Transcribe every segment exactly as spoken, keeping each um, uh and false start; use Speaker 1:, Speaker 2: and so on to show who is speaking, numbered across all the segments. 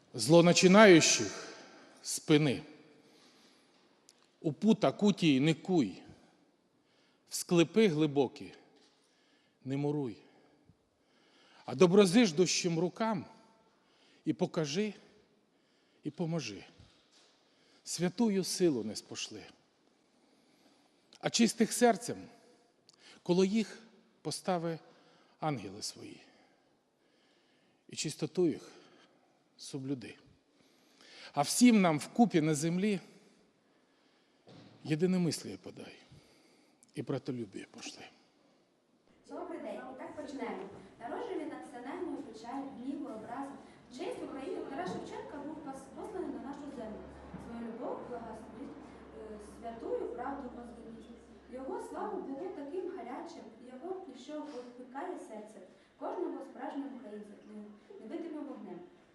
Speaker 1: злоначинаючих спини. У пута кутії не куй, в склепи глибокі не муруй, а доброзиждущим рукам і покажи, і поможи. Святую силу не спошли. А чистих серцем коло їх постави ангели свої. І чистоту їх соблюди. А всім нам вкупі на землі єдиномисліє подай і братолюбіє пошли.
Speaker 2: Добрий день, і так почнемо. Народжений над вселенною печаль, гніву, образу. В честь України Тарас Шевченка був посланий на нашу землю. Свою любов, благословить, святую правду возвеличить. Його славу було таким гарячим, його що опікає серце кожного справжнього українця невидимим вогнем.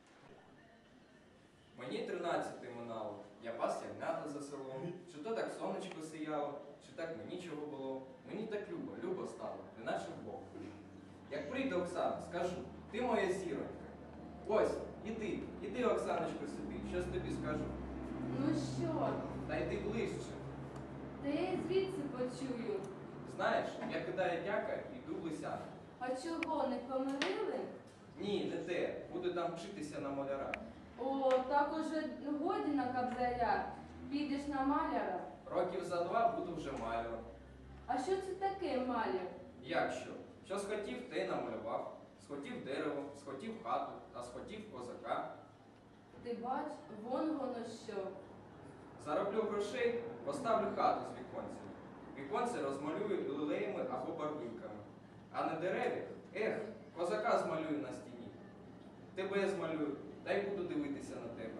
Speaker 3: Мені тринадцяти минало, я пас ягнята за селом. Чи то так сонечко сияло, чи так мені чого було. Мені так любо, любо стало, неначе Бог. Як прийде Оксана, скажу, ти моя зіронька. Ось, іди, іди, Оксаночко, собі, щось тобі скажу.
Speaker 4: Ну що?
Speaker 3: Та йди ближче.
Speaker 4: Та я й звідси почую.
Speaker 3: Знаєш, я кидаю дяка і йду в Лисян.
Speaker 4: А чого, не помирили?
Speaker 3: Ні, не те, буду там вчитися на маляра.
Speaker 4: О, так уже годі на кобзаря. Підеш на маляра.
Speaker 3: Років за два буду вже маляром.
Speaker 4: А що це таке маляр?
Speaker 3: Як що? Що схотів, те й намалював. Схотів дерево, схотів хату, а схотів козака.
Speaker 4: Ти бач, вон воно що.
Speaker 3: Зароблю грошей, поставлю хату з віконцями. Віконце розмалюю лилеями або барвинками. А на дереві, ех, козака змалюю на стіні. Тебе змалюю, та й буду дивитися на тебе.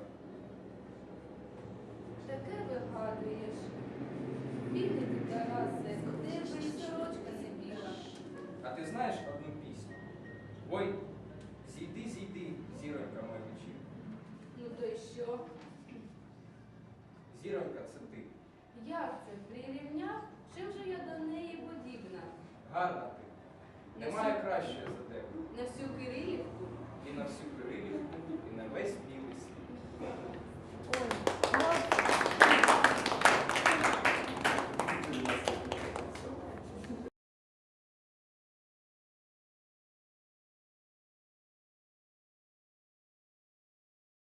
Speaker 4: Таке вигадуєш. Бідний ти, Тарасе, у тебе і сорочка не біла.
Speaker 3: А ти знаєш одну пісню? Ой, зійди, зійди, зіронька моя вечір.
Speaker 4: Ну то й що?
Speaker 3: Зіронька це ти.
Speaker 4: Як це, прирівняв? Чим же я до неї подібна?
Speaker 3: Гарна ти. Немає кращої за тебе.
Speaker 4: На всю Кирилівку?
Speaker 3: І на всю Кирилівку, і на весь білий світ.